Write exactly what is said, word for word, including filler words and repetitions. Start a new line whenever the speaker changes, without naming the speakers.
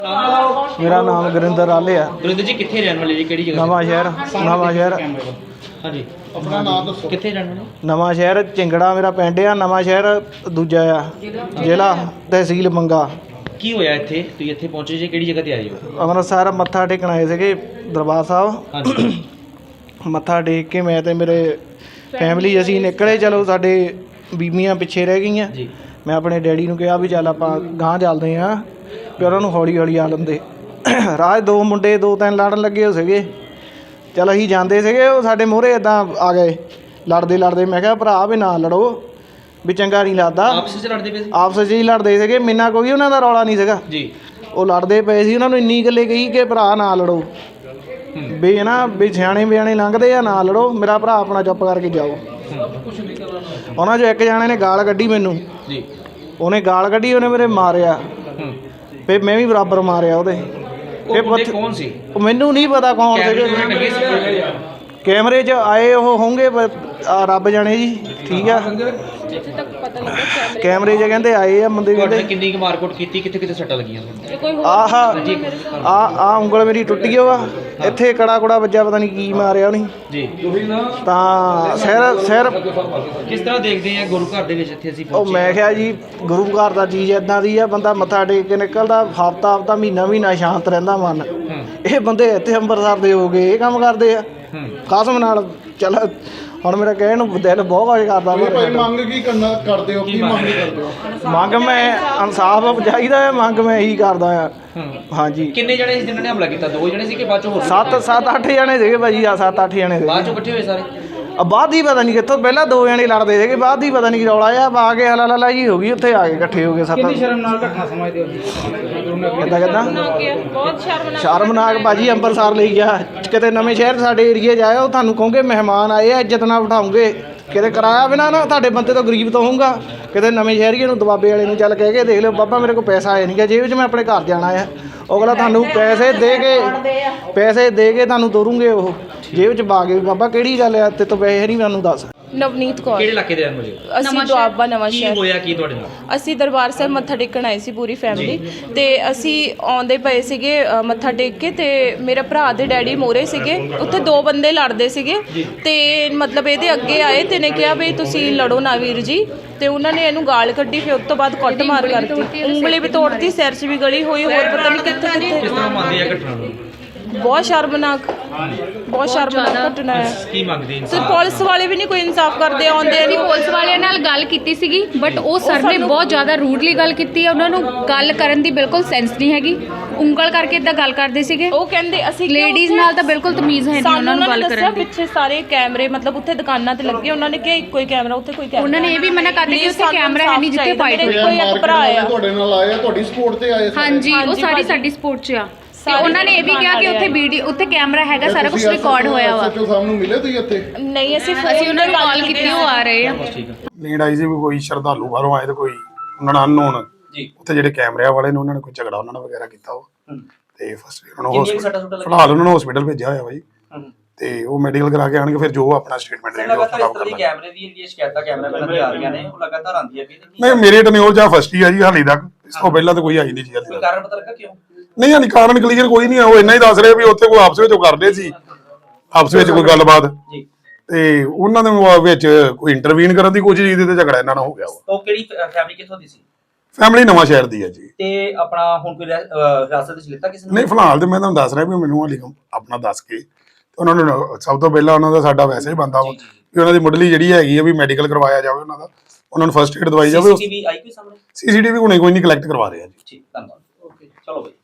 मेरा नाम गुरिंदर आले है।
गुरिंदर जी कितने रहने वाले जी, केड़ी जगह?
नवा शहर नवा शहर
हाँ जी, अपना नाम दसो, कितने रहने वाले?
नवा शहर चिंगड़ा मेरा पिंड आ। नवा शहर दूजा आ, जिला तहसील मंगा।
की होया इत्थे तुसीं इत्थे पहुंचे जे, केड़ी जगह ते आए हो?
अमृतसर मत्था टेकण आए सीगे दरबार साहब।
हाँ जी,
मत्था टेक के मैं ते मेरे फैमिली असीं निकले। चलो साडे बीबियां पिछे रह गईਆਂ।
जी,
मैं अपने डैडी ਨੂੰ ਕਿਹਾ ਵੀ ਚੱਲ ਆਪਾਂ ਗਾਂਹ ਚੱਲਦੇ ਹਾਂ ਵੀ ਉਹਨਾਂ ਨੂੰ ਹੌਲੀ ਹੌਲੀ ਆ ਲੰਦੇ। ਰਾਹ ਦੋ ਮੁੰਡੇ ਦੋ ਤਿੰਨ ਲੜਨ ਲੱਗੇ ਹੋ ਸੀਗੇ। ਚੱਲ ਅਸੀਂ ਜਾਂਦੇ ਸੀਗੇ, ਉਹ ਸਾਡੇ ਮੂਹਰੇ ਇੱਦਾਂ ਆ ਗਏ ਲੜਦੇ ਲੜਦੇ। ਮੈਂ ਕਿਹਾ ਭਰਾ ਵੀ ਨਾ ਲੜੋ, ਵੀ ਚੰਗਾ ਨਹੀਂ ਲੱਗਦਾ।
ਆਪਸ ਵਿੱਚ ਲੜਦੇ ਪਏ ਸੀ?
ਆਪਸ 'ਚ ਹੀ ਲੜਦੇ ਸੀਗੇ, ਮੈਨਾਂ ਕੋਈ ਉਹਨਾਂ ਦਾ ਰੌਲਾ ਨਹੀਂ ਸੀਗਾ
ਜੀ।
ਉਹ ਲੜਦੇ ਪਏ ਸੀ। ਉਹਨਾਂ ਨੂੰ ਇੰਨੀ ਗੱਲੇ ਕਹੀ ਕਿ ਭਰਾ ਨਾ ਲੜੋ, ਵੀ ਹੈ ਨਾ ਵੀ ਸਿਆਣੇ ਬਿਆਣੇ ਲੰਘਦੇ ਆ, ਨਾ ਲੜੋ, ਮੇਰਾ ਭਰਾ ਆਪਣਾ ਚੁੱਪ ਕਰਕੇ ਜਾਓ। ਉਹਨਾਂ 'ਚੋਂ ਇੱਕ ਜਾਣੇ ਨੇ ਗਾਲ ਕੱਢੀ ਮੈਨੂੰ
ਜੀ,
ਉਹਨੇ ਗਾਲ ਕੱਢੀ, ਉਹਨੇ ਮੇਰੇ ਮਾਰਿਆ, ਫਿਰ ਮੈਂ ਵੀ ਬਰਾਬਰ ਮਾਰਿਆ ਉਹਦੇ।
ਉਹ ਬੰਦੇ ਕੌਣ ਸੀ?
ਉਹ ਮੈਨੂੰ ਨਹੀਂ ਪਤਾ ਕੌਣ ਸੀਗੇ। ਕੈਮਰੇ 'ਚ ਆਏ ਉਹ ਹੋਣਗੇ ਰੱਬ ਜਾਣੇ ਜੀ, ਠੀਕ ਆ। ਕੈਮਰੇ 'ਚ ਕਹਿੰਦੇ ਆਏ ਆ ਬੰਦੇ। ਕਹਿੰਦੇ
ਕਿੰਨੀ ਕੁ ਮਾਰਕੁੱਟ ਕੀਤੀ, ਕਿੱਥੇ ਕਿੱਥੇ ਸੱਟਾਂ ਲੱਗੀਆਂ?
ਆਹ ਆ ਆ ਉਂਗਲ ਮੇਰੀ ਟੁੱਟ ਗਈ ਵਾ, ਇੱਥੇ ਕੜਾ ਕੁੜਾ ਵੱਜਾ, ਪਤਾ ਨਹੀਂ ਕੀ ਮਾਰਿਆ ਉਹਨੇ
ਜੀ।
ਤਾਂ ਸਿਰ ਸਿਰ
ਕਿਸ ਤਰ੍ਹਾਂ ਦੇਖਦੇ ਆ ਗੁਰੂ ਘਰ ਦੇ ਵਿੱਚ ਇੱਥੇ ਅਸੀਂ
ਉਹ
ਪਹੁੰਚੇ?
ਮੈਂ ਕਿਹਾ ਜੀ ਗੁਰੂ ਘਰ ਦਾ ਚੀਜ਼ ਇੱਦਾਂ ਦੀ ਆ, ਬੰਦਾ ਮੱਥਾ ਟੇਕ ਕੇ ਨਿਕਲਦਾ ਹਫ਼ਤਾ ਹਫ਼ਤਾ ਮਹੀਨਾ ਮਹੀਨਾ ਸ਼ਾਂਤ ਰਹਿੰਦਾ ਮਨ। ਇਹ ਬੰਦੇ ਇੱਥੇ ਅੰਮ੍ਰਿਤਸਰ ਦੇ ਹੋ ਗਏ, ਇਹ ਕੰਮ ਕਰਦੇ ਆ ਕਸਮ ਨਾਲ। ਚੱਲ ਹੁਣ ਮੇਰਾ ਕਹਿਣ ਨੂੰ ਦਿਲ ਬਹੁਤ ਕੁਝ ਕਰਦਾ।
ਭਾਈ ਮੰਗ ਕੀ ਕਰਨਾ ਕਰਦੇ ਹੋ, ਕੀ ਮੰਗ ਕਰਦੇ ਹੋ?
ਮੰਗ ਮੈਂ ਇਨਸਾਫ ਚਾਹੀਦਾ ਹੈ, ਮੰਗ ਮੈਂ ਇਹੀ ਕਰਦਾ ਆ। ਹਾਂਜੀ।
ਕਿੰਨੇ ਜਣੇ ਸੀ ਜਿਨ੍ਹਾਂ ਨੇ ਹਮਲਾ ਕੀਤਾ? ਦੋ ਜਣੇ ਸੀ ਕਿ ਬਾਅਦ ਚੋਂ ਹੋਰ?
ਸੱਤ ਸੱਤ ਅੱਠ ਜਣੇ ਸੀਗੇ ਭਾਜੀ, ਆ ਸੱਤ ਅੱਠ ਜਣੇ
ਬਾਅਦ
ਸੀਗੇ।
ਚੋਂ ਇਕੱਠੇ ਹੋਏ ਸਾਰੇ?
ਆ ਬਾਅਦ ਹੀ ਪਤਾ ਨਹੀਂ ਕਿੱਥੋਂ, ਪਹਿਲਾਂ ਦੋ ਜਣੇ ਲੜਦੇ ਸੀਗੇ, ਬਾਅਦ ਹੀ ਪਤਾ ਨਹੀਂ ਕੀ ਰੌਲਾ ਆ, ਆ ਕੇ ਹਲਾ ਲਾ ਜੀ ਹੋ ਗਈ, ਉੱਥੇ ਆ ਕੇ ਇਕੱਠੇ ਹੋ ਗਏ ਸੱਤ। ਕਿੰਨੀ ਸ਼ਰਮਨਾਕ ਘਟਨਾ ਸਮਝਦੇ ਹੋ? ਕਿੱਦਾਂ ਕਿੱਦਾਂ
ਬਹੁਤ ਸ਼ਰਮਨਾਕ
ਸ਼ਰਮਨਾਕ ਭਾਜੀ। ਅੰਮ੍ਰਿਤਸਰ ਲਈ ਗਿਆ, ਕਿਤੇ ਨਵੇਂ ਸ਼ਹਿਰ ਸਾਡੇ ਏਰੀਏ 'ਚ ਆਇਆ, ਉਹ ਤੁਹਾਨੂੰ ਕਹੋਗੇ ਮਹਿਮਾਨ ਆਏ ਆ, ਇੱਜ਼ਤ ਨਾਲ ਬਿਠਾਉਂਗੇ। ਕਿਤੇ ਕਿਰਾਇਆ ਬਿਨਾ ਨਾ ਤੁਹਾਡੇ ਬੰਦੇ ਤੋਂ ਗਰੀਬ ਤੋਂ ਹੋਊਗਾ। ਕਿਤੇ ਨਵੇਂ ਸ਼ਹਿਰੀਏ ਨੂੰ ਦਬਾਬੇ ਵਾਲੇ ਨੂੰ ਚੱਲ ਕਹਿ ਕੇ ਦੇਖ ਲਿਓ, ਬਾਬਾ ਮੇਰੇ ਕੋਲ ਪੈਸਾ ਆਇਆ ਨਹੀਂ ਗਾ ਜੇਬ 'ਚ, ਮੈਂ ਆਪਣੇ ਘਰ ਜਾਣਾ ਆ। ਅਗਲਾ ਤੁਹਾਨੂੰ ਪੈਸੇ ਦੇ ਕੇ ਪੈਸੇ ਦੇ ਕੇ ਤੁਹਾਨੂੰ ਤੋਰੂਗੇ, ਉਹ ਜੇਬ 'ਚ ਪਾ ਕੇ। ਬਾਬਾ ਕਿਹੜੀ ਗੱਲ ਆ, ਤੇ ਤੋਂ ਪੈਸੇ ਨਹੀਂ ਮੈਨੂੰ ਦੱਸ।
ਨਵਨੀਤ ਕੌਰ।
ਕਿਹੜੇ ਇਲਾਕੇ ਦੇ ਰਹਿਣ ਵਾਲੇ ਹੋ?
ਅਸੀਂ ਦੁਆਬਾ ਨਵਾਂ
ਕੀ
ਸ਼ਹਿਰ।
ਹੋਇਆ ਕੀ ਤੁਹਾਡੇ ਨਾਲ?
ਅਸੀਂ ਦਰਬਾਰ ਸਾਹਿਬ ਮੱਥਾ ਟੇਕਣ ਆਏ ਸੀ ਪੂਰੀ ਫੈਮਿਲੀ, ਤੇ ਅਸੀਂ ਆਉਂਦੇ ਪਏ ਸੀਗੇ ਅ, ਮੱਥਾ ਟੇਕ ਕੇ, ਤੇ ਮੇਰੇ ਭਰਾ ਦੇ ਡੈਡੀ ਮੋਰੇ ਸੀਗੇ, ਉੱਥੇ ਦੋ ਬੰਦੇ ਲੜਦੇ ਸੀਗੇ, ਤੇ ਮਤਲਬ ਇਹਦੇ ਅੱਗੇ ਆਏ ਤੇ ਨੇ ਕਿਹਾ ਵੀ ਤੁਸੀਂ ਲੜੋ ਨਾ ਵੀਰ ਜੀ, ਤੇ ਉਹਨਾਂ ਨੇ ਇਹਨੂੰ ਗਾਲ ਕੱਢੀ। ਫਿਰ ਉਸ ਤੋਂ ਬਾਅਦ ਕੁੱਟ ਮਾਰ ਕਰਤੀ, ਉਂਗਲੀ ਵੀ ਤੋੜਤੀ, ਸਿਰ 'ਚ ਵੀ ਗਲੀ ਹੋਈ, ਹੋਰ ਪਤਾ ਨਹੀਂ ਕਿੱਥੇ
ਕਿਸ
ਕਿੱਥੇ।
ਤਰ੍ਹਾਂ ਮੰਨਦੇ ਆ ਘਟਨਾ ਨੂੰ?
ਬਹੁਤ ਸ਼ਰਮਨਾਕ ਬਹੁਤ ਸ਼ਰਮਨਾਕ ਘਟਨਾ ਹੈ।
ਕੀ ਮੰਗਦੇ
ਤੇ ਪੁਲਿਸ ਵਾਲੇ ਵੀ ਨਹੀਂ ਕੋਈ ਇਨਸਾਫ ਕਰਦੇ, ਆਉਂਦੇ
ਅਸੀਂ ਪੁਲਿਸ ਵਾਲਿਆਂ ਨਾਲ ਗੱਲ ਕੀਤੀ ਸੀਗੀ, ਬਟ ਉਹ ਸਰ ਨੇ ਬਹੁਤ ਜ਼ਿਆਦਾ ਰੂਡਲੀ ਗੱਲ ਕੀਤੀ ਹੈ। ਉਹਨਾਂ ਨੂੰ ਗੱਲ ਕਰਨ ਦੀ ਬਿਲਕੁਲ ਸੈਂਸ ਨਹੀਂ ਹੈਗੀ, ਉਂਗਲ ਕਰਕੇ ਇਦਾਂ ਗੱਲ ਕਰਦੇ ਸੀਗੇ।
ਉਹ ਕਹਿੰਦੇ ਅਸੀਂ
ਲੇਡੀਜ਼ ਨਾਲ ਤਾਂ ਬਿਲਕੁਲ ਤਮੀਜ਼ ਹੈ ਨਹੀਂ ਉਹਨਾਂ ਨੂੰ ਗੱਲ ਕਰਨ ਦੀ।
ਪਿੱਛੇ ਸਾਰੇ ਕੈਮਰੇ ਮਤਲਬ ਉੱਥੇ ਦੁਕਾਨਾਂ ਤੇ ਲੱਗੇ, ਉਹਨਾਂ ਨੇ ਕਿਹਾ ਇੱਕੋ ਹੀ ਕੈਮਰਾ, ਉੱਥੇ ਕੋਈ ਕੈਮਰਾ।
ਉਹਨਾਂ ਨੇ ਇਹ ਵੀ ਮਨਾ ਕਰ ਦਿੱਤਾ ਕਿ ਉੱਥੇ ਕੈਮਰਾ ਹੈ ਨਹੀਂ ਜਿੱਥੇ ਫਾਈਟ ਹੋਈ।
ਕੋਈ ਇੱਕ ਭਰਾ ਆ
ਤੁਹਾਡੇ ਨਾਲ ਆਏ ਆ, ਤੁਹਾਡੀ ਸਪੋਰਟ ਤੇ ਆਏ?
ਹਾਂਜੀ, ਉਹ ਸਾਰੀ ਸਾਡੀ ਸਪੋਰਟ 'ਚ ਆ। ਤੇ ਉਹਨਾਂ ਨੇ ਇਹ ਵੀ ਕਿਹਾ ਕਿ ਉੱਥੇ ਵੀਡੀਓ, ਉੱਥੇ ਕੈਮਰਾ ਹੈਗਾ, ਸਾਰਾ ਕੁਝ ਰਿਕਾਰਡ ਹੋਇਆ ਵਾ।
ਸੱਚੋ ਸਾਹਿਬ ਨੂੰ ਮਿਲੇ ਤੁਸੀਂ ਇੱਥੇ?
ਨਹੀਂ, ਅਸੀਂ
ਅਸੀਂ ਉਹਨਾਂ ਨੂੰ ਕਾਲ ਕੀਤੀ, ਉਹ ਆ ਰਹੇ ਆ।
ਨੀਡ ਆਈ ਸੀ ਵੀ ਕੋਈ ਸ਼ਰਧਾਲੂ ਬਾਹਰੋਂ ਆਏ ਤੇ ਕੋਈ ਉਹਨਾਂ ਨਾਲ ਅਨਨੋਨ ਜੀ, ਉੱਥੇ ਜਿਹੜੇ ਕੈਮਰਿਆਂ ਵਾਲੇ ਨੇ ਉਹਨਾਂ ਨੇ ਕੋਈ ਝਗੜਾ ਉਹਨਾਂ ਨਾਲ ਵਗੈਰਾ ਕੀਤਾ ਉਹ, ਤੇ ਫਸਟ ਉਹਨਾਂ ਨੂੰ ਫਿਲਹਾਲ ਉਹਨਾਂ ਨੂੰ ਹਸਪੀਟਲ ਭੇਜਿਆ ਹੋਇਆ ਬਾਈ, ਤੇ ਉਹ ਮੈਡੀਕਲ ਕਰਾ ਕੇ ਆਣਗੇ, ਫਿਰ ਜੋ ਆਪਣਾ ਸਟੇਟਮੈਂਟ ਦੇਣਗੇ ਉਹ ਖਰਾਬ ਕਰ ਲਾਂਗੇ।
ਕੈਮਰੇ ਦੀ ਜਿਹੜੀ ਸ਼ਿਕਾਇਤਾਂ ਕੈਮਰਾਮੈਨ ਦੀਆਂ ਆ ਰਹੀਆਂ ਨੇ, ਉਹ ਲਗਾਤਾਰ ਆਉਂਦੀਆਂ ਵੀ
ਨਹੀਂ, ਮੇਰੇ ਟਨਿਓਰ ਜਾਂ ਫਸਟ ਹੀ ਆ ਜੀ ਹਾਲੇ ਤੱਕ, ਇਸ ਤੋਂ ਪਹਿਲਾਂ ਤਾਂ ਕੋਈ ਆਈ ਨਹੀਂ ਜੀ ਹਾਲੇ ਤੱਕ।
ਕਾਰਨ ਪਤਾ ਲੱਗਾ ਕਿਉਂ?
ਨਹੀਂ ਹਾਲੇ ਕਾਰਨ ਕਲੀਅਰ ਕੋਈ ਨਹੀਂ ਆ, ਉਹ ਇੰਨਾ ਹੀ ਦੱਸ ਰਹੇ ਵੀ ਉੱਥੇ ਕੋਈ ਆਪਸ ਵਿੱਚ ਕਰਦੇ ਸੀ, ਆਪਸ ਵਿੱਚ ਕੋਈ ਗੱਲਬਾਤ, ਤੇ ਉਹਨਾਂ ਦੇ ਵਿੱਚ ਕੋਈ ਇੰਟਰਵੀਨ ਕਰਨ ਦੀ ਕੋਸ਼ਿਸ਼ ਕੀਤੀ ਤੇ ਝਗੜਾ ਇਹਨਾਂ ਨਾਲ ਹੋ ਗਿਆ।
ਉਹ ਕਿਹੜੀ ਫੈਮਿਲੀ ਕਿੱਥੋਂ ਦੀ ਸੀ?
ਫੈਮਿਲੀ ਨਵਾਂ ਸ਼ਹਿਰ ਦੀ ਹੈ ਜੀ।
ਤੇ ਆਪਣਾ ਹੁਣ ਕੋਈ ਹਿਰਾਸਤ ਵਿੱਚ ਲਿੱਤਾ ਕਿਸੇ ਨੇ?
ਨਹੀਂ, ਫਿਲਹਾਲ ਤੇ ਮੈਂ ਤੁਹਾਨੂੰ ਦੱਸ ਰਿਹਾ ਵੀ ਮੈਨੂੰ ਹਾਲੇ ਆਪਣਾ ਦੱਸ ਕੇ ਉਹਨਾਂ ਨੂੰ ਸਭ ਤੋਂ ਪਹਿਲਾਂ ਉਹਨਾਂ ਦਾ ਸਾਡਾ ਵੈਸੇ ਹੀ ਬੰਦਾ ਵਾ ਵੀ ਉਹਨਾਂ ਦੀ ਮੁੱਢਲੀ ਜਿਹੜੀ ਹੈਗੀ ਆ ਵੀ ਮੈਡੀਕਲ ਕਰਵਾਇਆ ਜਾਵੇ, ਉਹਨਾਂ ਦਾ ਉਹਨਾਂ ਨੂੰ ਫਸਟ ਏਡ ਦਵਾਈ ਜਾਵੇ।
ਸੀਸੀਟੀਵੀ ਆਈ ਕੋਈ ਸਾਹਮਣੇ?
ਸੀਸੀਟੀਵੀ ਹੁਣੇ ਕੋਈ ਨਹੀਂ ਕਲੈਕਟ ਕਰਵਾ ਰਹੇ ਆ ਜੀ।
ਠੀਕ, ਧੰਨਵਾਦ। ਓਕੇ, ਚਲੋ ਬਈ।